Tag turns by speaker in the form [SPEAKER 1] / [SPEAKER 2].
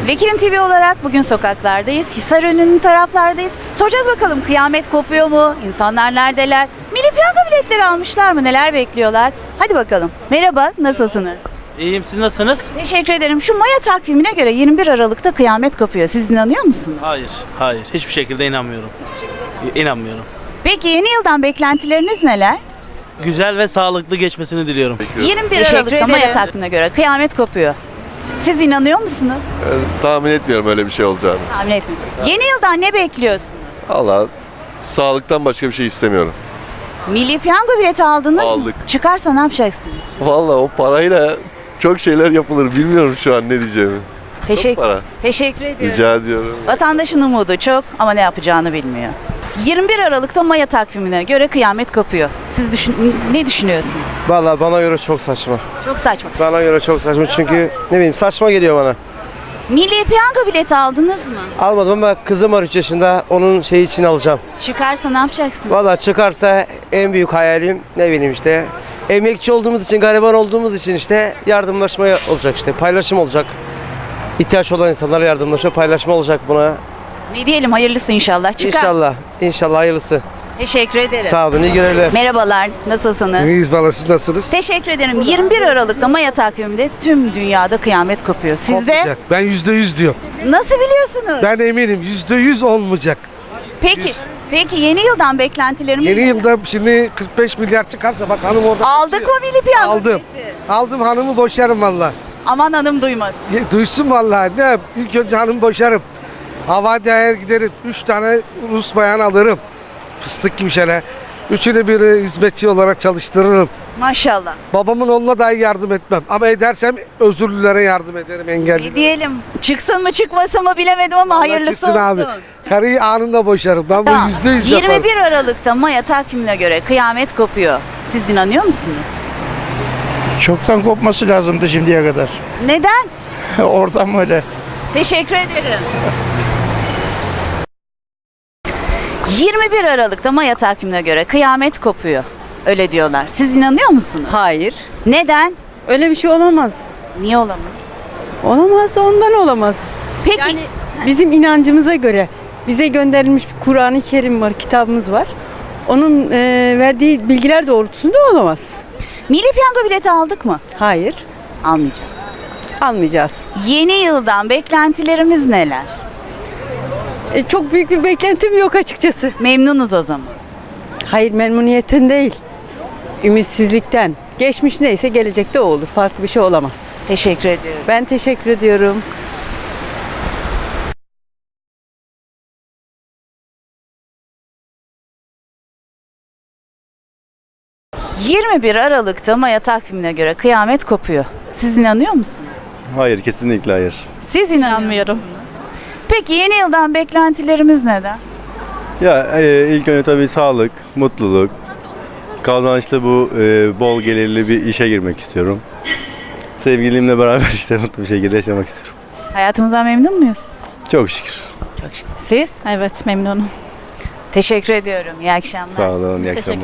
[SPEAKER 1] Vekilim TV olarak bugün sokaklardayız. Hisarönü'nün taraflardayız. Soracağız bakalım, kıyamet kopuyor mu? İnsanlar neredeler? Milli piyango biletleri almışlar mı? Neler bekliyorlar? Hadi bakalım. Merhaba, nasılsınız?
[SPEAKER 2] İyiyim, siz nasılsınız?
[SPEAKER 1] Teşekkür ederim. Şu Maya takvimine göre 21 Aralık'ta kıyamet kopuyor. Siz inanıyor musunuz?
[SPEAKER 2] Hayır. Hiçbir şekilde inanmıyorum. İnanmıyorum.
[SPEAKER 1] Peki yeni yıldan beklentileriniz neler?
[SPEAKER 2] Güzel ve sağlıklı geçmesini diliyorum.
[SPEAKER 1] 21 Aralık'ta Maya takvimine göre kıyamet kopuyor. Siz inanıyor musunuz?
[SPEAKER 3] Tahmin etmiyorum öyle bir şey olacağını.
[SPEAKER 1] Tahmin etmiyorum. Yeni yıldan ne bekliyorsunuz?
[SPEAKER 3] Allah, sağlıktan başka bir şey istemiyorum.
[SPEAKER 1] Milli piyango bileti aldınız mı?
[SPEAKER 3] Aldık.
[SPEAKER 1] Çıkarsa ne yapacaksınız?
[SPEAKER 3] Vallahi o parayla çok şeyler yapılır. Bilmiyorum şu an ne diyeceğimi. Para.
[SPEAKER 1] Teşekkür ediyorum.
[SPEAKER 3] Rica ediyorum.
[SPEAKER 1] Vatandaşın umudu çok ama ne yapacağını bilmiyor. 21 Aralık'ta Maya takvimine göre kıyamet kopuyor. Siz ne düşünüyorsunuz?
[SPEAKER 4] Vallahi bana göre çok saçma.
[SPEAKER 1] Çok saçma.
[SPEAKER 4] Bana göre çok saçma çünkü ne bileyim saçma geliyor bana.
[SPEAKER 1] Milli piyango bileti aldınız mı?
[SPEAKER 4] Almadım ama kızım var 3 yaşında onun şeyi için alacağım.
[SPEAKER 1] Çıkarsa ne yapacaksınız?
[SPEAKER 4] Vallahi çıkarsa en büyük hayalim ne bileyim işte emekçi olduğumuz için, gariban olduğumuz için işte yardımlaşma olacak işte paylaşım olacak. İhtiyaç olan insanlara yardımlaşma, paylaşma olacak buna.
[SPEAKER 1] Ne diyelim, hayırlısı inşallah. Çıkar.
[SPEAKER 4] İnşallah hayırlısı.
[SPEAKER 1] Teşekkür ederim.
[SPEAKER 4] Sağ olun, iyi görevler.
[SPEAKER 1] Merhabalar, nasılsınız?
[SPEAKER 5] İyiyiz valla, siz nasılsınız?
[SPEAKER 1] Teşekkür ederim. 21 Aralık'ta Maya takviminde tüm dünyada kıyamet kopuyor. Sizde
[SPEAKER 5] Olmayacak. Ben %100 diyorum.
[SPEAKER 1] nasıl biliyorsunuz?
[SPEAKER 5] Ben eminim %100 olmayacak.
[SPEAKER 1] Peki yeni yıldan beklentilerimiz
[SPEAKER 5] Yeni
[SPEAKER 1] neler?
[SPEAKER 5] yılda şimdi 45 milyar çıkarsa bak hanım orada.
[SPEAKER 1] Aldık mı milli piyango
[SPEAKER 5] Aldım.
[SPEAKER 1] bileti?
[SPEAKER 5] Aldım, hanımı boşarım valla.
[SPEAKER 1] Aman hanım duymasın.
[SPEAKER 5] Duysun valla. Ne? İlk önce hanımı boşarım. Havadaya giderim. 3 tane Rus bayan alırım. Fıstık gibi şeyler. Üçünü bir hizmetçi olarak çalıştırırım.
[SPEAKER 1] Maşallah.
[SPEAKER 5] Babamın oğluna dahi yardım etmem. Ama edersem özürlülere yardım ederim,
[SPEAKER 1] Ne
[SPEAKER 5] engelli.
[SPEAKER 1] diyelim? Çıksın mı çıkmasın mı bilemedim ama hayırlısı
[SPEAKER 5] Çıksın
[SPEAKER 1] olsun.
[SPEAKER 5] abi. Karıyı anında boşarım. Ben
[SPEAKER 1] Tamam.
[SPEAKER 5] bu %100 yaparım.
[SPEAKER 1] 21 Aralık'ta Maya takvimine göre kıyamet kopuyor. Siz inanıyor musunuz?
[SPEAKER 6] Çoktan kopması lazımdı şimdiye kadar.
[SPEAKER 1] Neden?
[SPEAKER 6] Oradan öyle.
[SPEAKER 1] Teşekkür ederim. 21 Aralık'ta Maya takvimine göre kıyamet kopuyor. Öyle diyorlar. Siz inanıyor musunuz?
[SPEAKER 7] Hayır.
[SPEAKER 1] Neden?
[SPEAKER 7] Öyle bir şey olamaz.
[SPEAKER 1] Niye olamaz?
[SPEAKER 7] Olamaz da ondan olamaz.
[SPEAKER 1] Peki
[SPEAKER 7] Yani bizim inancımıza göre bize gönderilmiş bir Kur'an-ı Kerim var, kitabımız var. Onun verdiği bilgiler doğrultusunda olamaz.
[SPEAKER 1] milli piyango bileti aldık mı?
[SPEAKER 7] Hayır,
[SPEAKER 1] Almayacağız.
[SPEAKER 7] almayacağız.
[SPEAKER 1] Yeni yıldan beklentilerimiz neler?
[SPEAKER 7] Çok büyük bir beklentim yok açıkçası.
[SPEAKER 1] Memnunuz o zaman.
[SPEAKER 7] Hayır, memnuniyetten değil, ümitsizlikten. Geçmiş neyse gelecekte o olur. Farklı bir şey olamaz.
[SPEAKER 1] Teşekkür ediyorum.
[SPEAKER 7] Ben teşekkür ediyorum.
[SPEAKER 1] ...21 Aralık'ta Maya takvimine göre kıyamet kopuyor. Siz inanıyor musunuz?
[SPEAKER 3] Hayır, kesinlikle hayır.
[SPEAKER 1] Siz inanıyor musunuz? Peki yeni yıldan beklentilerimiz neden?
[SPEAKER 3] Ya ilk önce tabii sağlık, mutluluk, kazançlı bu bol gelirli bir işe girmek istiyorum. Sevgilimle beraber işte mutlu bir şekilde yaşamak istiyorum.
[SPEAKER 1] Hayatımızdan memnun muyuz?
[SPEAKER 3] Çok şükür.
[SPEAKER 1] Siz?
[SPEAKER 8] Evet, memnunum.
[SPEAKER 1] Teşekkür ediyorum. İyi akşamlar.
[SPEAKER 3] Sağ olun, iyi akşamlar.